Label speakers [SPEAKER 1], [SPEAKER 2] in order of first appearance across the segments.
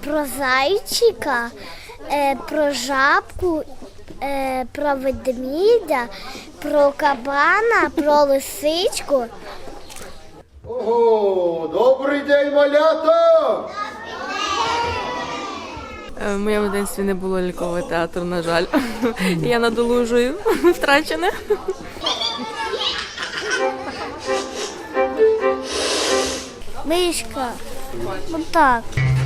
[SPEAKER 1] про зайчика, про жабку, про ведмідя, про кабана, про лисичку.
[SPEAKER 2] Ого, добрий день, малята!
[SPEAKER 3] В моєму дитинстві не було лялькового театру, на жаль. Я надолужую втрачене.
[SPEAKER 1] Мишка. Отак.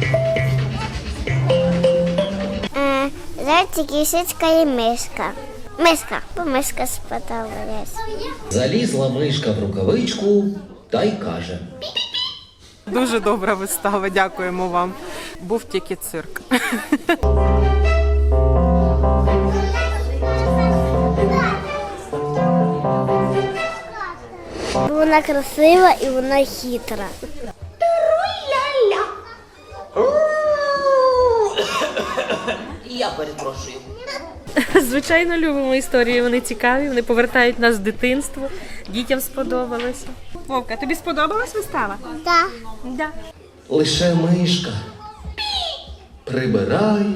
[SPEAKER 1] Зайчик, лисичка і мишка. Мишка, бо мишка сподобалась.
[SPEAKER 4] Залізла мишка в рукавичку та й каже:
[SPEAKER 5] Дуже добра вистава, дякуємо вам. Був тільки цирк.
[SPEAKER 1] Вона красива і вона хитра.
[SPEAKER 4] Я перепрошую.
[SPEAKER 3] Звичайно, любимо історії, вони цікаві, вони повертають нас в дитинство. Дітям сподобалося.
[SPEAKER 5] Вовка, тобі сподобалась вистава?
[SPEAKER 1] Так.
[SPEAKER 3] Да.
[SPEAKER 4] Лише мишка прибирає,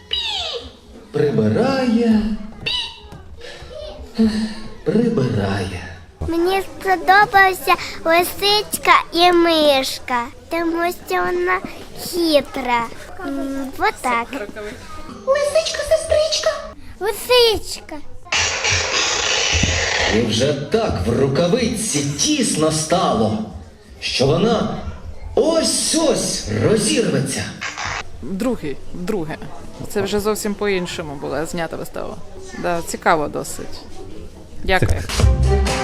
[SPEAKER 4] прибирає.
[SPEAKER 1] Мені сподобалася лисичка і мишка, тому що вона хитра. Вот так. Лисичка, сестричка. Лисичка.
[SPEAKER 4] І вже так в рукавиці тісно стало, що вона ось-ось розірветься.
[SPEAKER 5] Друге. Це вже зовсім по-іншому була знята вистава. Да, цікаво досить. Дякую.